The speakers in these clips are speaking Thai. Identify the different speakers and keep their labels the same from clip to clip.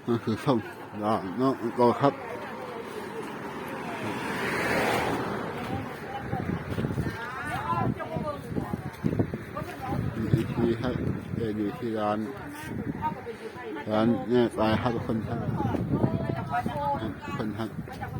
Speaker 1: นั่นคือส้มดอกน้องก็ครับอยู่ที่ให้อยู่ที่ร้านเนี่ยไปครับคนครับคนครับ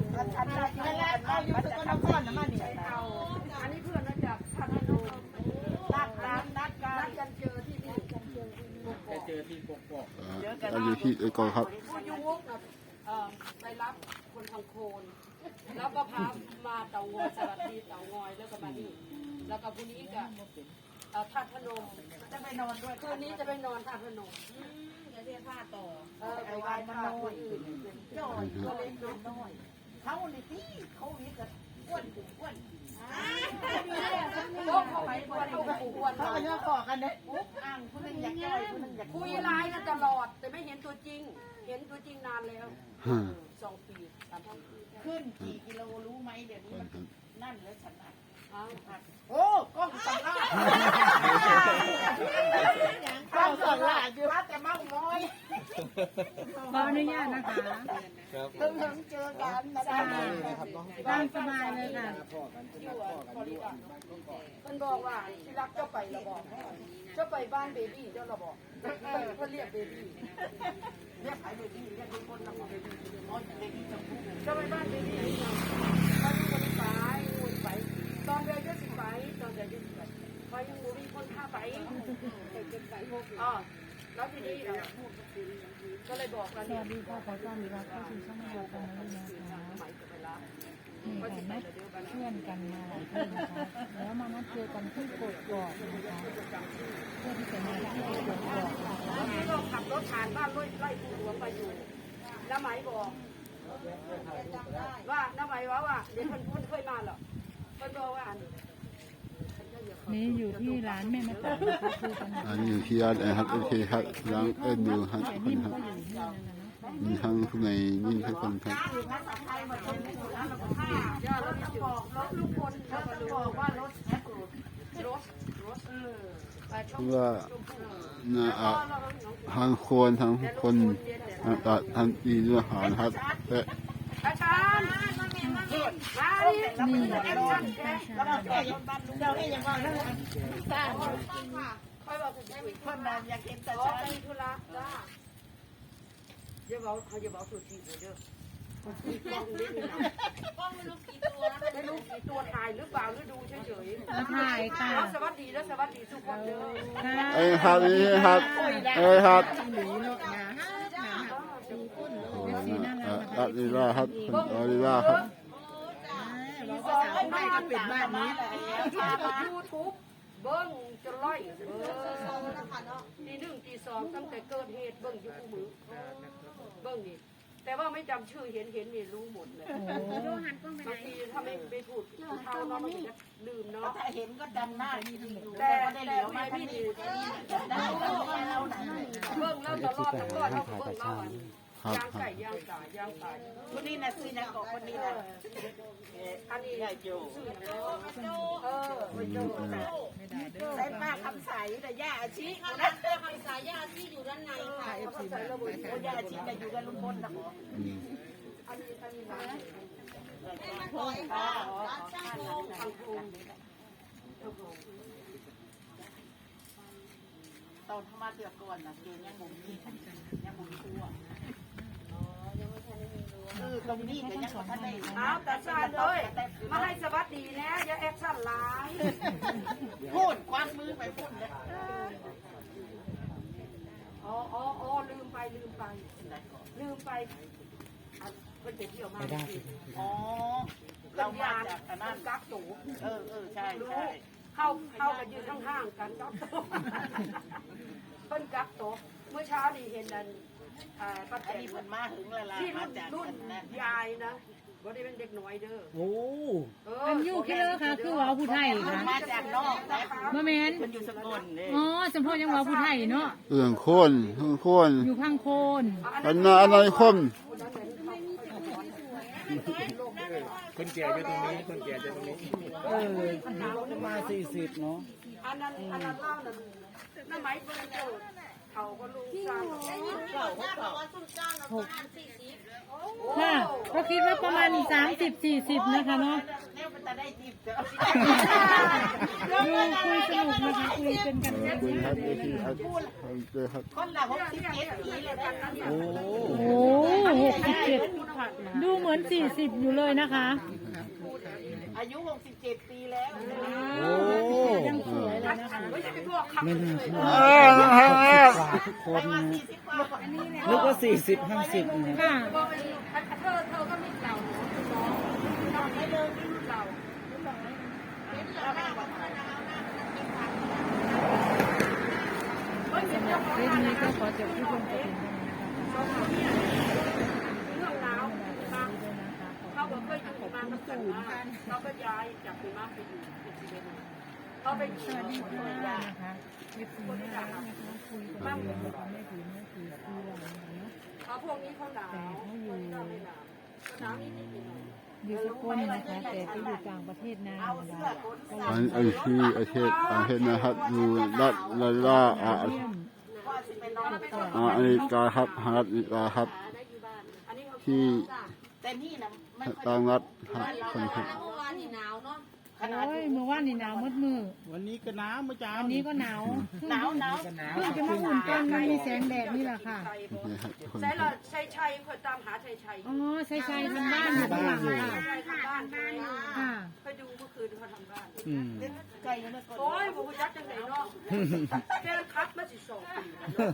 Speaker 2: อันนี้เพื่อนเราจากพัทลุงนัดกันเจอที่นี่เจอที่กกอก
Speaker 1: เราอยู่ที่ก็ครับ
Speaker 2: ผู้ยุวกไปรับคนทางโคนแล้วก็พามาเต่างอยสวัสดีเต่างอยแล้วก็มานี่แล้วก็พรุ่งนี้ก็ทัดพนมจะไปนอนด้วยคืนนี้จะไปนอนทัดพนมจะเรียกผ้าต่อไปไหว้พระคนอื่นย่อยก็เล็กน้อยเขาเนี่ยที่เขาวิทย์กับอ้วนอ้วนเขาไปอ้วนเขาไปอ้วนเขาไปย่อต่อกันเนี่ยปุ๊บอ่างคนนึงอยากย่อยคนนึงอยากคุยไลน์กันตลอดแต่ไม่เห็นตัวจริงเห็นตัวจริงนานแล้ว2 ปี3 ปี
Speaker 3: ขึ้นกี่กิโลรู้ไหมเดี๋ยวนี้นั่นแล้วฉันอ่ะ
Speaker 2: โอ้ก็สำลัก
Speaker 3: ก็สำลักอยู่ว่าแต่เมาน้อย
Speaker 4: ขออนุญาตนะคะ
Speaker 3: เพิ่งเจอกันนะจ๊ะ
Speaker 4: ตามสบายเลยค่ะ
Speaker 2: เพิ่นบอกว่าที่รักเจ้าไปละบอกเจ้าไปบ้านเบบี้เจ้าละบอกเพิ่นเรียกเบบี้เรียกใครเบบี้เรียกทุกคนละบอกเบบี้อ๋อเบบี้จำพูเจ้าไปบ้านเบบี้ตอนนี้คนไปตอนเดือนจะสิไปตอนเดือนจะสิไปพอยังมีคนพาไปอ๋อแล้วทีนี้ก็เลยบอกกัน
Speaker 4: สวัสดีค่ะขอต้อนรับเข้าสู่ช่องเรากันนะคะนี่ค่ะนัดเพื่อนกันมาหลายที่นะคะแล้วมานัดเจอกันที่กกอกนะคะเพื่อที่จะมาที่กกอก
Speaker 2: วันนี้ก็ขับรถผ่านบ้านไล่ปูหลวงไปอยู่น้าไหมบอกว่าน้าไหมว่าเดี๋ยวคนเคยมาหรอคนบอกว่า
Speaker 4: นี่อยู่ที่ร้านแม่มาต่อนะคะคุยกัน
Speaker 1: อันนี้อยู่ที่ร้านครับโอเคครับร้านดูครับคนครับมีทั้งข้างในนี่ทุกคนครับเพราะว่าทั้งคนทั้งคนทั้งดีด้วยหาครับ
Speaker 2: อาจารย์นี่
Speaker 3: เราให้ยังว่าแล้วสร้างคนนั้นอยากเห็นแต่ฉัน
Speaker 2: ธุระจ้าอย่าบอกสุดที่เด้อกล้องไม่รู้กี่ตัวถ่ายหรือเปล่าหรือดูเฉย
Speaker 4: ๆถ่ายค่ะ
Speaker 2: สวัสดีแล้วสวัสดีทุกคนเด้อ
Speaker 1: ครับนี่ครับครับ
Speaker 4: สีน่ารัก
Speaker 1: อาลีลาครับอาลีลาครับ
Speaker 3: ไม่ก็ปิดบ้านนี้
Speaker 2: ยูทูบเบิ้งจะไล่ตี 1 ตี 2ตั้งแต่เกิดเหตุเบิ้งอยู่คู่มือเบิ้งนี่แต่ว่าไม่จำชื่อเห็นนี่รู้หมดเลยบางทีถ้าไม่พูดเขาเนาะมันจะลืมเนาะ
Speaker 3: ถ้าเห็นก็จำหน้า
Speaker 2: แต่ไม่พี่ดีเบิ้งแล้วตลอดเท่าเบิ้งเนาะย่างไก่คนนี้นะซื้อนะกคนนี้นะอันนี้โจ
Speaker 3: ใส่ป้าคำใสแต่ย่าอาชีนะ
Speaker 2: คำสายย่าที่อยู่ด้านในค่ะ
Speaker 3: ย่าอาชีแต่อยู่กับลุงพลนะหมอ
Speaker 2: อันนี้ร้าน
Speaker 3: ตอนทำมาเดือดก่อนนะเกณฑ์ยังบุ๋มนี่ยังบุ๋มทั่วตรงนี้ก็ยังท่านได้
Speaker 2: แต่ซานเลยมาให้สวัสดีนะอย่าแอคชั่นร้าย
Speaker 3: พูดควันมือไปพูดเลย
Speaker 2: อ๋อลืมไปเพิ่นไปเที่ยวมา
Speaker 3: อ๋อเรามาจากนั่น
Speaker 2: กักตู
Speaker 3: ใช่
Speaker 2: เข้ากันยืนข้างๆกันกักตูเพิ่นกักตูเมื่อเช้านี่เห็นนั่นป้าแตน
Speaker 3: เหมือนมาถึงละลายมาจาก
Speaker 2: รุ่นยายนะบ่ได้เป็นเด็กน้อยเด้อ
Speaker 4: โอ้มันอยู่แค่เลยค่ะคือว่าผู้ไทยค่ะ
Speaker 3: มาจากนอกนะ
Speaker 4: บ่แม่น
Speaker 3: มันอยู่สกลนี่
Speaker 4: อ๋อสมพรยังว่าผู้ไทยเนาะ
Speaker 1: โคน
Speaker 4: อยู่ข้างโคน
Speaker 1: อันนั้นคน
Speaker 5: คนแก่อยู่ตรงนี้คนแก่อยู่ตรงนี้
Speaker 1: มา40เนาะ
Speaker 2: อันนั้นเล่าน่ะน้าไหมเพิ่นเจอเขาก็ลูกสร้าง
Speaker 4: ค่ะก็คิดว่าประมาณ30-40นะคะเนาะ
Speaker 3: แล้วมันจะได้จีบเจ้า
Speaker 4: ดูคุยสนุกนะคะคุยเป็นกัน
Speaker 1: ขอบคุณครับเอทีครับเจอครับ
Speaker 3: คนละ67 ปีเลยกันนะ
Speaker 5: โอ้
Speaker 4: โอ้67ดูเหมือน40อยู่เลยนะคะ
Speaker 3: อายุ67 ปีแล้ว
Speaker 5: โอ้
Speaker 4: ยังสวยเลยนะคะ
Speaker 2: ไม่ใช่พวกขับ
Speaker 5: ไม่น่าเชื่อ
Speaker 3: ทุกคน
Speaker 5: นึกว่า40-50นะ
Speaker 4: ค่ะ
Speaker 2: เธอก็มีเราน้องไม่เลิกที่เรา
Speaker 4: สำหรับคลิปนี้ก็ขอจบที่เพียงเท่านี้นะคะ
Speaker 2: เรื่องหนาวเขาบอกเคยอยู่มาตั้งแต่เขาก็ย้ายจากหิมะไปอยู่ที่เชียงใหม่เขาไปอยู่
Speaker 4: สวัสดีค่ะนะคะคลิปนี้นะคะคุยกับเรื่องของแม่ผีเมื่อกี้คืออะไรเนาะ
Speaker 2: เขาพวกนี้เขาหนาวเขาไม่หนาวหนาวนิดๆหน่อย
Speaker 4: อยู่สกลนะคะแต่ไปอยู่ต่างประเทศนานนะคะ
Speaker 1: อันที่ประเทศนะครับอยู่รัฐลาลาอเมริกาครับอเมริกาครับที่
Speaker 3: แต่นี่นะไม่ค่อย
Speaker 1: ต่างรัฐครับคนครับ
Speaker 3: เมื่อวานนี่หนาวเนาะ
Speaker 4: โอ้ยเมื่อวานนี่หนาวมืดมือ
Speaker 5: วันนี้ก็น้ำมาจ้า
Speaker 4: วันนี้ก็หนาว
Speaker 3: หนาว
Speaker 4: เพิ่งจะมาอุ่นตอนมันมีแสงแดดนี่แหละค่ะ
Speaker 1: นี่ครับคน
Speaker 2: ใช่เราชัยคนตามหาชัย
Speaker 4: อ๋อใช่ใช่ทำบ้านอยู่ข้างหลังค่ะ
Speaker 2: ชัยทำบ้านไป
Speaker 4: ค่ะ
Speaker 2: ไปดูเมื่อคืนเขาทำบ้าน
Speaker 5: อืม
Speaker 3: ไก่ยังไม่กด
Speaker 2: โอ้ยผมยัดจังไหนเนาะแค่คัดมาสิ2 ปี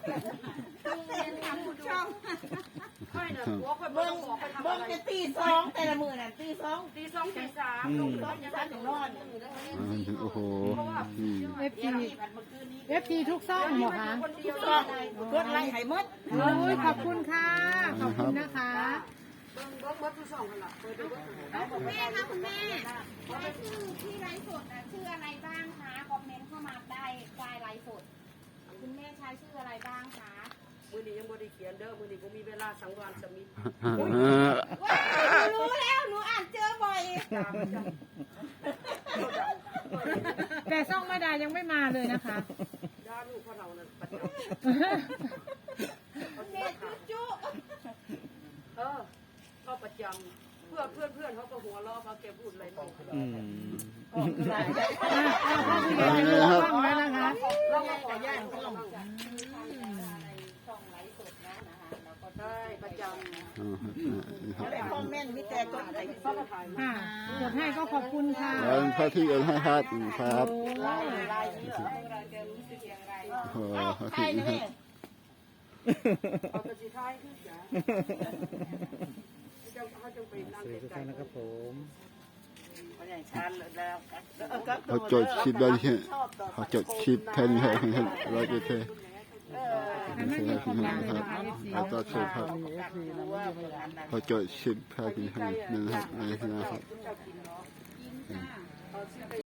Speaker 2: ค่อยนะหัวค่อยเบิ่งบอกไปทำ
Speaker 3: เบิ่
Speaker 2: อะ
Speaker 3: ง
Speaker 2: ไร
Speaker 3: จะตี 2แต่ละมื้อน่ะตี 2
Speaker 2: ตี 2 ตี 3ลงไปยัง
Speaker 3: 3ถึงนอน
Speaker 1: โอ้โหนี่
Speaker 4: เอฟทีเอฟทีทุกซ่องเหรอคะ
Speaker 2: คนเดียว
Speaker 3: กดไล่ให้หมด
Speaker 4: โอ้ยขอบคุณค่ะ ขอบคุณนะคะ
Speaker 2: เบิ่งทุก2กันล่ะเคยดูว่า
Speaker 6: คุณแม่คะคุณแม่รายชื่อที่ไลฟ์สดนะชื่ออะไรบ้างคะคอมเมนต์เข้ามาได้ใต้ไลฟ์สดคุณแม่ใช้ชื่ออะไรบ้างคะ
Speaker 2: มื้อนี้ยังบ่ได้เขียนเด้อมื้อนี้บ่มีเวลาสังวานสมิท
Speaker 6: ว้าวหนูรู้แล้วหนูอ่านเจอบ่อย
Speaker 4: แต่ซ่องแม่ดายังไม่มาเลยนะคะ
Speaker 2: ด้าลูกของเรานั่นประจ
Speaker 6: แม่จุ๊จุ๊
Speaker 2: เขาประจำเพื่อนเขาก็หัวเราะเขาแกพูดอะไรไม่
Speaker 5: อืม
Speaker 4: ซ่องแล้วนะคะ
Speaker 2: เราก็ขอย่านเขาบ้างใช่ประจำ
Speaker 3: แต่คอมเมนต์มีแต่กดไลค์
Speaker 2: เขาก็ถ่ายมา
Speaker 4: ค่ะกดให้ก็ขอบคุณค่ะ
Speaker 1: แล้วพระที่เอ็นให้ครับครับ
Speaker 3: ไลน์นี้เหรอ
Speaker 1: โอ้โหพระ
Speaker 3: ใช่
Speaker 1: ที่
Speaker 3: นะแม่
Speaker 2: เอากระสีท้ายขึ้นจ้ะเขาจะไปนั่ง
Speaker 5: สวัสดีทุก
Speaker 2: ไกล
Speaker 5: ท่านนะครับผม
Speaker 1: เขาจดชิปได้ที่เขาจดชิปแทนให้เราจะเท
Speaker 4: แต่ไม่มีคอมเมนต์เลยนะคะ FC
Speaker 1: เขาจดชิปครับเขาจดชิปแทนให้นะครับนะครับ
Speaker 2: ๆ